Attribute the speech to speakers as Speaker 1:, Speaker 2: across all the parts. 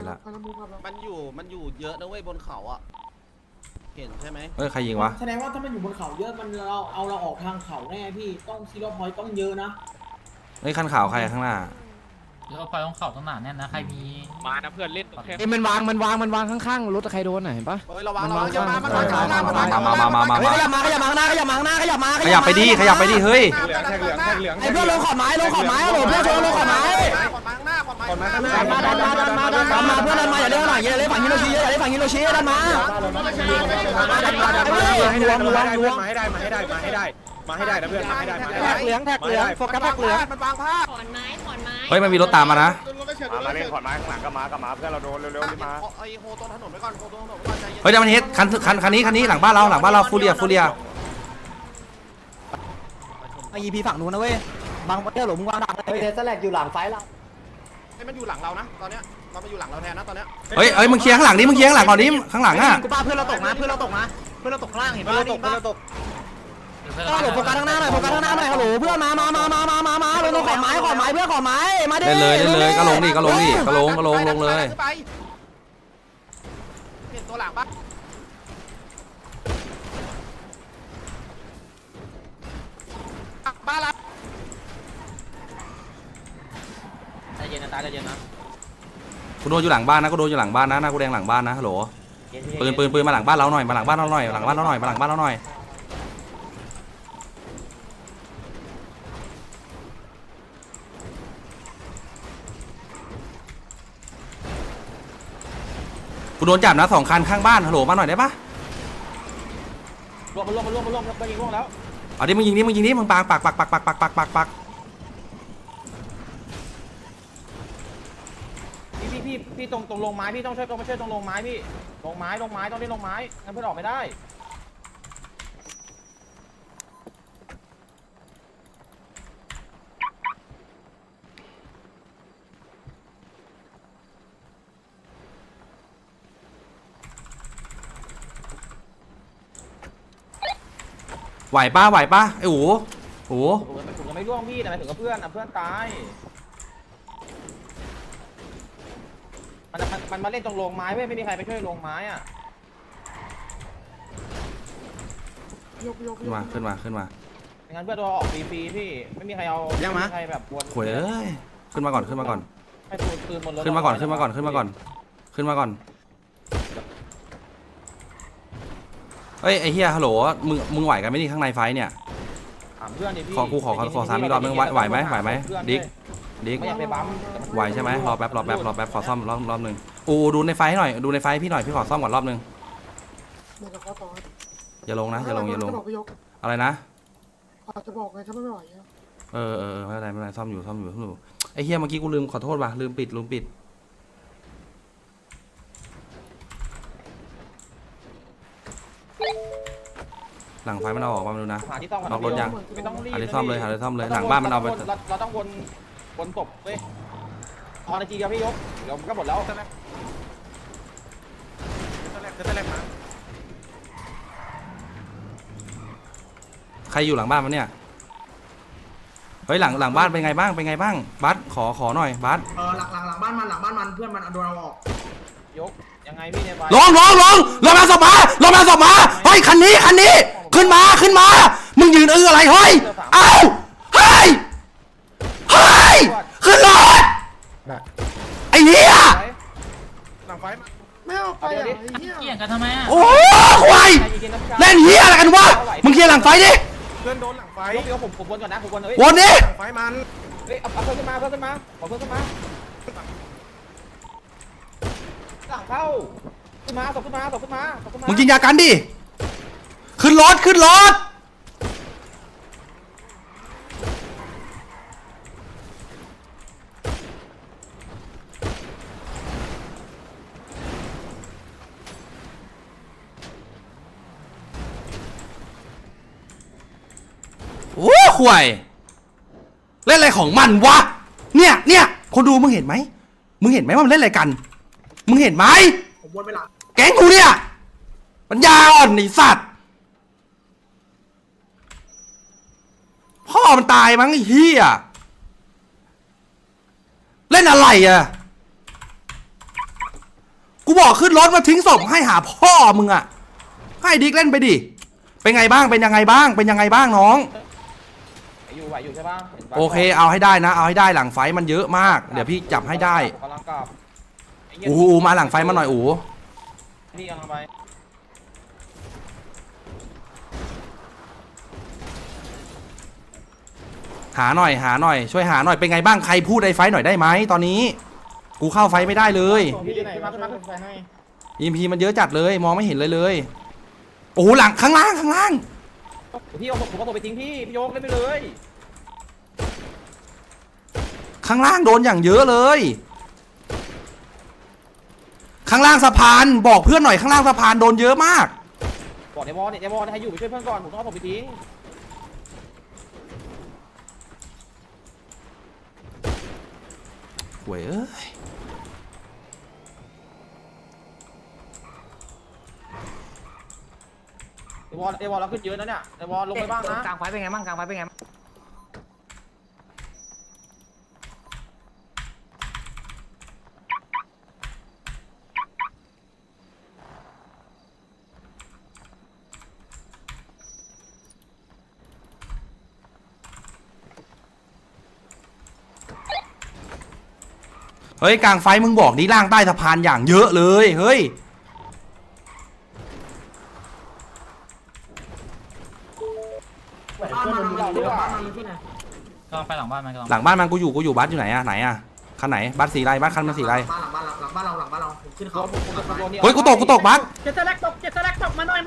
Speaker 1: ละ
Speaker 2: มันอยู่เยอะนะเว้ยบนเขาอ่ะเห็นใช่ไหม
Speaker 1: ใครยิงวะ
Speaker 3: แสดงว่าถ้ามันอยู่บนเขาเยอะมันเราออกทางเขาแน่พี่ต้องซีโร่พอยต์ต้องเยอะนะ
Speaker 1: คันขาวใครข้างหน้า
Speaker 4: แล้วพอยต้องเข่าต้องหนาแน่นนะใครมี
Speaker 5: มานะเพื่อนเล่นแค่
Speaker 6: มันวางข้างๆรถใครโดนเห็นปะ
Speaker 2: ระวังอย่ามา
Speaker 1: ขยับไปดิเฮ้ย
Speaker 6: ไอ้เพื่อนลงขอบไม้โหลเพื่อนชนลงขอบไม้มาเพื่อนดันมาอย่าเล่นหน่อยอย่าเล่นฝั่งฮิโรชิอย่าเล่นฝั่งฮิโรชิดันมา
Speaker 5: มาให้ได้นะเพื่อนมาให้ได้
Speaker 6: เหลืองโฟกัสเหลือง
Speaker 2: มันวางผ้า
Speaker 7: ขอนไม้
Speaker 1: เฮ้ยมันมีรถตามมานะ
Speaker 5: มาเล่นขอนไม้ข้างหลังก็มาเพื่อนเราโดนเร็วๆรีบมา
Speaker 2: ไอโฮตรงถนนไปก่อนโฮตรงถนนไปก่อนใจเย็น
Speaker 1: เฮ้ยเดี๋ยวมันเฮ็ดคันนี้หลังบ้านเราฟูเรีย
Speaker 6: ไอยีพีฝั่งนู้นนะเว้ยบางเที่ยวหลงมึงวางดักเลยเทสแลกอยู่หลังไฟเรา
Speaker 2: ให้มันอยู่หลังเรานะตอนเนี้ยมันมาอยู่หลังเราแทนนะตอนเนี้ย
Speaker 1: เฮ้ยมึงเคลียร์ข้างหลังดิมึงเคลียร์ข้างหลังก่อนดิข้างหลังอ่ะ
Speaker 6: กูป้าเพื่อนเราตกนะเพื่อนเราตกข้างล่างเห็นปะเราตกฮัลโหลโฟกัสข้างหน้าหน่อยฮัลโหลเพื่อนมาลงขอบไม้เพื่อนขอบไม้มาดิ
Speaker 1: เล่นเลยก็ลงดิก็ลงเลย
Speaker 2: เห็นตัวหลังปะบ้านเรา
Speaker 4: ใจเย็นนะตาใจเย็นนะ
Speaker 1: กูโดนอยู่หลังบ้านนะกูแดงหลังบ้านนะฮัลโหลปืนมาหลังบ้านเราหน่อยมาหลังบ้านเราหน่อยกูโดนจับนะ2 คันข้างบ้านฮัลโหลมาหน่อยได้ปะ
Speaker 4: รวมไปยิงร่วงแล้ว
Speaker 1: เอาดิมึงยิงดิมึงปัก
Speaker 4: พี่ตรงลงไม้พี่ต้องช่วยตรงลงไม้พี่ลงไม้ต้องเล่นลงไม้งั้นเพื่อนออกไม่ได้
Speaker 1: ไหวปะไอ้หู
Speaker 4: ผมยังไม่ร่วงพี่แต่หมายถึงกับเพื่อนตายมันมาเล่นตรงลงไม้เว้ยไม่มีใครไปช่วยลงไม้อ่ะ
Speaker 1: ขึ้นมา
Speaker 4: งั้นเพื่อนตัวออกฟรีพี่ไม่มีใครเอาไม่มีใครแบบวน
Speaker 1: โวยขึ้นมาก่อน
Speaker 4: ให้ปืนบนรถ
Speaker 1: ขึ้นมาก่อนเฮ้ยไอ้เฮียฮัลโหลมึงไหวกันไหมนี่ข้างในไฟเนี่ย
Speaker 4: ถามเพื่อนดิพี่
Speaker 1: ขอ3อีกรอบนึงไหวไหมดิ๊ก
Speaker 4: ไม่อยากไปบั๊ม
Speaker 1: ไหวใช่ไหมรอแป๊บขอซ่อมรอบนึงดูในไฟหน่อยดูในไฟพี่หน่อยพี่ขอซ่อมก่อนรอบนึงอย่าลงนะอย่าลงอะไรนะ
Speaker 8: จะบอกไงถ้าไม่ไหว
Speaker 1: ไม่เป็นไรซ่อมอยู่ไอ้เฮียเมื่อกี้กูลืมขอโทษว่ะลืมปิดหลังไฟมันเอาออกมาดูนะล็อกรถยังหาที่ซ่อมเลยหลังบ้านมันเอาไป
Speaker 4: เราต้องวนศพเว้ยพอนาทีเดียวพี่ยกเดี๋ยวก็หมดแล้ว
Speaker 1: ใครอยู่หลังบ้านมันเนี่ยเฮ้ยหลังบ้านเป็นไงบ้างบัสขอหน่อยบัส
Speaker 3: หลังบ้านมันเพื่อนมันโดนเอาออก
Speaker 4: ยกยังไงพี่เนี่ยไป
Speaker 1: ลงมาศพมาเฮ้ยคันนี้ขึ้นมามึงยืนอะไรเฮ้ยเฮ้ยขึ้นรถไอ้เหี้ย
Speaker 5: หลังไฟ
Speaker 8: ไม่เอาไปอ่ะ
Speaker 4: เกี่ยงกันทำไมอ่ะ
Speaker 1: โอ้ควายเล่นเหี้ยอะไรกันวะมึงเคลียร์หลังไฟดิ
Speaker 5: เพื่อนโดนหลังไฟ
Speaker 4: เดี๋ยวผมวนก่อนนะผมวนเลย
Speaker 1: วนดิ
Speaker 5: หลังไฟมัน
Speaker 4: เอาเพิ่มขึ้นมาขอเพิ่มขึ้นมาหลังเข้าขึ้นมา
Speaker 1: มึงกินยากันดิขึ้นรถโอ้ข่วยเล่นอะไรของมันวะเนี่ยคนดูมึงเห็นไหมว่ามันเล่นอะไรกันมึงเห็นไหม
Speaker 3: ผมวนไปหลัง
Speaker 1: แก๊งกูเนี่ยปัญญาอ่อนไอ้สัตว์พ่อมันตายมั้งไอ้เหี้ยเล่นอะไรอะบอกขึ้นรถมาทิ้งศพให้หาพ่อมึงอะให้ดิ๊กเล่นไปดิเป็นไงบ้างเป็นยังไงบ้างเป็นยังไงบ้างน้อง
Speaker 4: ไหวอยู่ใช่ปะห็นปะ
Speaker 1: โอเคเอาให้ได้นะเอาให้ได้หลังไฟมันเยอะมากเดี๋ยวพี่จับให้ได้
Speaker 4: กำลังกลับไเหี้ย
Speaker 1: อูมาหลังไฟมาหน่อยอู
Speaker 4: พี่กำลังไป
Speaker 1: หาหน่อยช่วยหาหน่อยเป็นไงบ้างใครพูดในไฟหน่อยได้ไหมตอนนี้กูเข้าไฟไม่ได้เลย
Speaker 4: พี่ไหนมาขึ้นไฟให้
Speaker 1: EMP มันเยอะจัดเลยมองไม่เห็นเลยโอ้โหหลังข้างล่าง
Speaker 4: พี่เอาผมเอาตัวไปทิ้งพี่โยกเล่นไปเลย
Speaker 1: ข้างล่างโดนอย่างเยอะเลย ข้างล่างสะพานบอกเพื่อนหน่อยข้างล่างสะพานโดนเยอะมาก
Speaker 4: บอกในวอลเนี่ยในวอลให้อยู่ไปช่วยเพื่อนก่อนผมต้องเอาผมไปทิ้ง
Speaker 1: หวยเอ้ย
Speaker 4: ในวอลเราขึ้นเยอะนะเนี่ยในวอลลงไปบ้างนะ
Speaker 6: กลางไฟเป็นไงบ้างกลางไฟเป็นไงบ้าง
Speaker 1: เฮ้ยกลางไฟมึงบอกดิล่างใต้สะพานอย่างเยอะเลยเฮ้ย
Speaker 3: บ้านมันอยู่บ้านมันที่ไหน
Speaker 7: ก็ไปหลังบ้านมันก็
Speaker 1: หลังบ้านมันกูอยู่บัสอยู่ไหนอะคันไหนบัสสีไรบัสคันมันสีไร
Speaker 3: บ้านเราผมขึ้นเขา
Speaker 1: เฮ้ยกูตกบัส
Speaker 3: เจ็ดสแลกตกมาหน่อย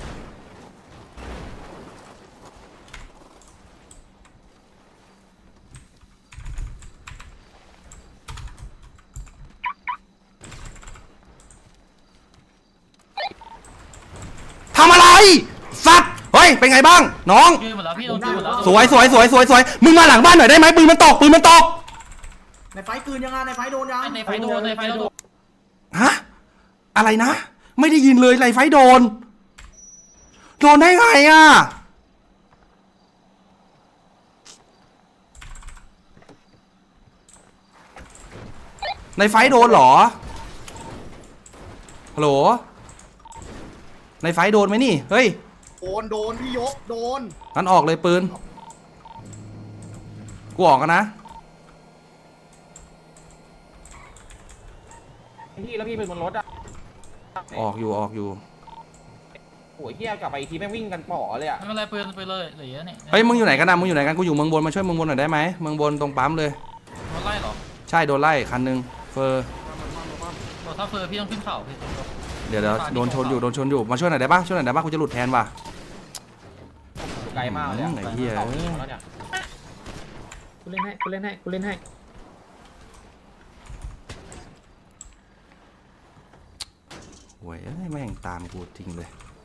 Speaker 1: ทำอะไรสัตว์เฮ้ยเป็นไงบ้างน้อง
Speaker 7: ยืนหมดแล้วพี่โดนยืนหมดแล้ว
Speaker 1: สวยมึงมาหลังบ้านหน่อยได้ไหมปืนมันตก
Speaker 3: ในไฟคืนยังไงในไฟโดนยัง
Speaker 7: ในไฟโดนในไฟโดน
Speaker 1: ฮะอะไรนะไม่ได้ยินเลยไรไฟโดนได้ไงอะในไฟโดนเหรอฮัลโหลในไฟโดนไหมนี่เฮ้ย
Speaker 5: โดนพี่ยกโดน
Speaker 1: งั้นออกเลยปืนกูออกกันนะ
Speaker 4: พี่แล้วพี่เป็นบนรถอ่ะ
Speaker 1: ออกอยู่
Speaker 4: โอ้ยเฮียกลับไปอีกทีแม่งวิ่งกันป๋อเลยอ่ะ
Speaker 7: ไม่เป็นไรปืนไปเลยเหลือเนี่ย
Speaker 1: เฮ้ยมึงอยู่ไหนกันนะมึงอยู่ไหนกันกูอยู่เมืองบนมาช่วยเมืองบนหน่อยได้ไหมเมืองบนตรงปั๊มเลย
Speaker 7: โดนไล่หรอ
Speaker 1: ใช่โดนไล่คันหนึงเฟอร์
Speaker 7: ถ้าเฟอร์พี่ต้องขึ้นเข่าพี่
Speaker 1: เดี๋ยวโดนชนอยู่มาช่วยหน่อยได้ปะกูจะหลุดแทนว่ะ
Speaker 4: ไกลมากเลย
Speaker 1: ไอ้เหี้ย
Speaker 4: แล้วเนี่ย
Speaker 3: กูเล่นให้
Speaker 1: โว้ยเอ้ยแม่งตามกูจริงเลย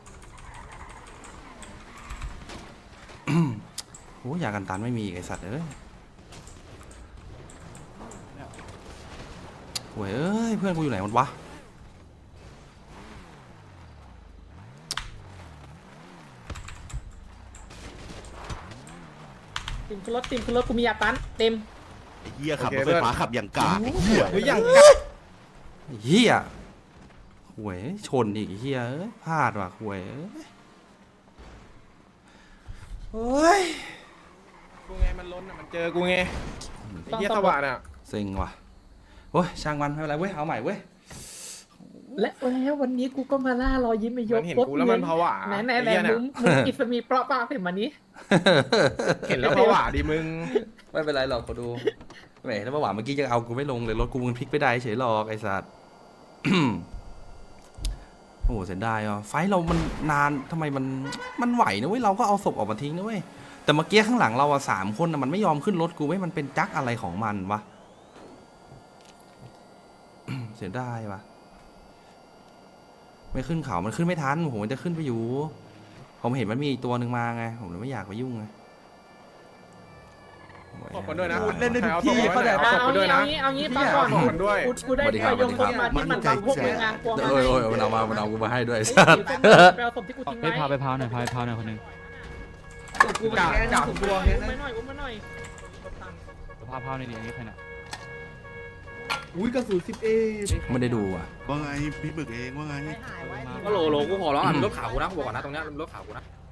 Speaker 1: โอ้ยยากันตันไม่มีอีกไอสัตว์เอ้ยโว้ยเอ้ยเพื่อนกูอยู่ไหนหมดวะ
Speaker 3: ทีมขึ้นรถกูมียาตันเต็ม
Speaker 5: เฮียขับรถไฟฟ้าขับอย่างกากเฮ้ยอย่าง
Speaker 1: ไอ้เหี้ยโว้ยชนอีกไอ้เหี้ยเอ้ยพลาดว่ะโว้ยเอ้ยโอ้ย
Speaker 5: กูไงมันล้นอ่ะมันเจอกูไงไอ้เฮียสว่านอ่ะ
Speaker 1: เซ็งว่ะโอ้ยช่างมันไม่เป็นไรเว้ยเอาใหม่เว้ย
Speaker 3: และวันนี้กูก็มาล่ารอยยิ้มไปย
Speaker 5: มั
Speaker 3: ก
Speaker 5: นเห็นกูแล้วมันผวา
Speaker 3: ไหน
Speaker 5: ไอ้เหี้ย
Speaker 3: มึ
Speaker 5: เนี่ย
Speaker 3: งอิสมีเปราะป้าเป็นมานี้
Speaker 5: เห็นแล้วผวาดิมึง
Speaker 1: ไม่เป็นไรหรอกขอดูแหมถ้าเมื่อวานเมื่อกี้จะเอากูไม่ลงเลยรถกูมันพลิกไม่ได้เฉยหรอกไอ้สัตว์ โอ้โหเสียดายอ่ะไฟท์เรามันนานทำไมมันไหวนะเว้ยเราก็เอาศพออกมาทิ้งนะเว้ยแต่เมื่อกี้ข้างหลังเราอ่ะ3 คนน่ะมันไม่ยอมขึ้นรถกูเว้ยมันเป็นจักอะไรของมันวะ เสียดายว่ะไม่ขึ้นเขามันขึ้นไม่ทันผมมันจะขึ้นไปอยู่ผมเห็นมันมีอีกตัวหนึ่งมาไงผมเลยไม่อยากไปยุ่งไง
Speaker 5: ขอบคุณด้วยนะ
Speaker 6: เล่นได้ทุกที่
Speaker 5: เขาแต่ขอบคุณด้วยนะ
Speaker 3: เอางี้ปังก่อน
Speaker 5: ขอบคุณด้วย
Speaker 3: กูได้ไปยงคนมาที่มันบังพวกมึงอ่ะกลัว
Speaker 1: โอ้ยมันเอากูมาให้ด้วย
Speaker 3: ไปเอาศพที่กูทิ้ง
Speaker 7: ไป
Speaker 3: ไว้
Speaker 7: พาไปพาวหน่อยพาวหน่อยคนนึง
Speaker 3: กูไปแกอุ้มมาหน่อย
Speaker 7: พาพาวในเดี๋ยวนี้ใครน่ะ
Speaker 3: โ
Speaker 8: อุ้ยกระสุน10 เอ
Speaker 1: ไม่ได้ดูอ่ะ
Speaker 9: ว่าไงพี่หมึกเองว่าไง
Speaker 6: หายไว้
Speaker 4: ก็โหลกูขอร้องอ่ะรถขาวกูนะกูบอกก่อนนะตรงเนี้ยรถขาวกูนะ